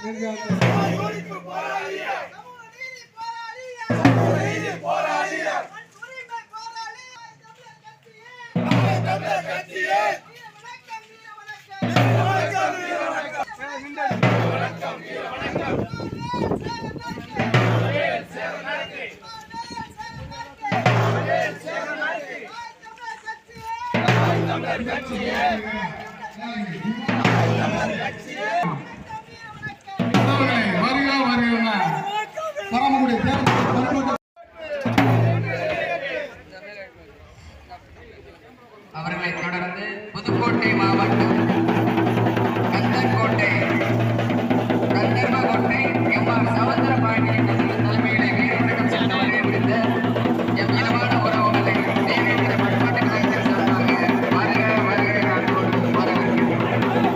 அவர்களை தொடர்ந்து புதுக்கோட்டை மாவட்டம் கந்தர்கோட்டை கந்தர்வகோட்டை எம்.ஆர். சமுத்திர பாண்டியன் தலைமையிலே வீரவணக்கம் சென்று வருகை புரிந்த எம் இனமான உறவுகளை தேவேந்திர பண்பாட்டு கலைஞர் சார்பாக வருக வருகை காண்போடு வரவேற்கிறோம்.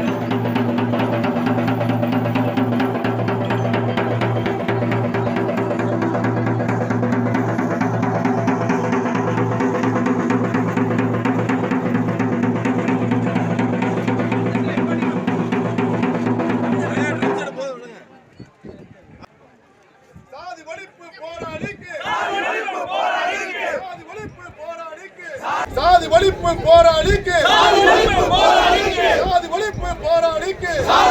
சாதி ஒழிப்பு போராளிக்கு சாதி ஒழிப்பு போராளிக்கு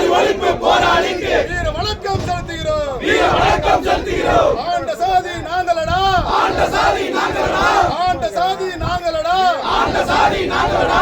வீர வணக்கம் செலுத்துகிறோம். ஆண்ட சாதி நாங்களடா, ஆண்ட சாதி நாங்களடா.